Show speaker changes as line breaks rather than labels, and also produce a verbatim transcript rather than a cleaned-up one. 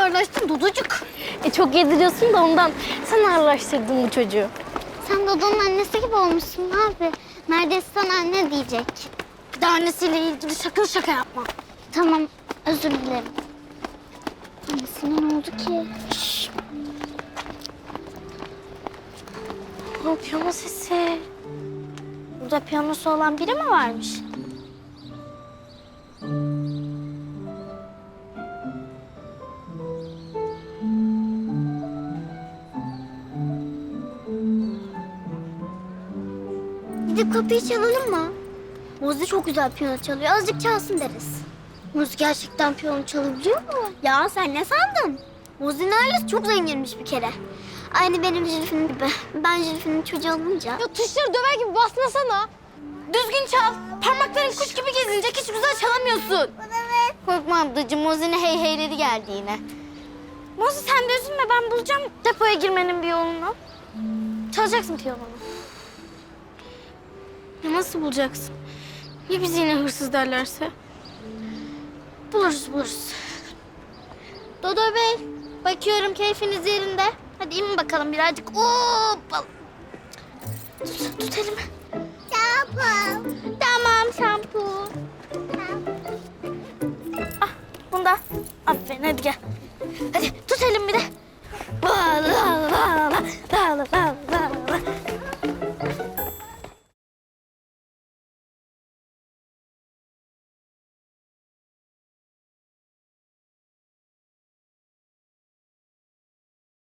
ağırlaştın Duducuk.
E çok yediriyorsun da ondan. Sen ağırlaştırdın bu çocuğu.
Sen Dodo'nun annesi gibi olmuşsun abi. Neredeyse sana anne diyecek. Bir de annesiyle ilgili sakın şaka yapma. Tamam, özür dilerim. Annesine ne oldu ki? Şşş.
O piyano sesi.
Burada piyanosu olan biri mi varmış? Gidip kapıyı çalalım mı? Muzi çok güzel piyano çalıyor. Azıcık çalsın deriz. Muzi gerçekten piyano çalabiliyor mu? Ya sen ne sandın? Muzi'nin ailesi çok zenginmiş bir kere. Aynı benim Zülfü'nün gibi. Ben Zülfü'nün çocuğu olunca...
Ya tuşları döver gibi basmasana. Düzgün çal. Parmakların kuş gibi gezinecek. Hiç güzel çalamıyorsun.
Evet.
Korkma ablacığım. Mozi'ne hey heyleri geldi yine. Mozi sen de üzülme. Ben bulacağım depoya girmenin bir yolunu. Çalacaksın piyanonu. Ya nasıl bulacaksın? Ya bizi yine hırsız derlerse?
Buluruz buluruz. Dodo Bey, bakıyorum keyfiniz yerinde. Hadi in bakalım birazcık. Hoppa. Tut, tut elimi.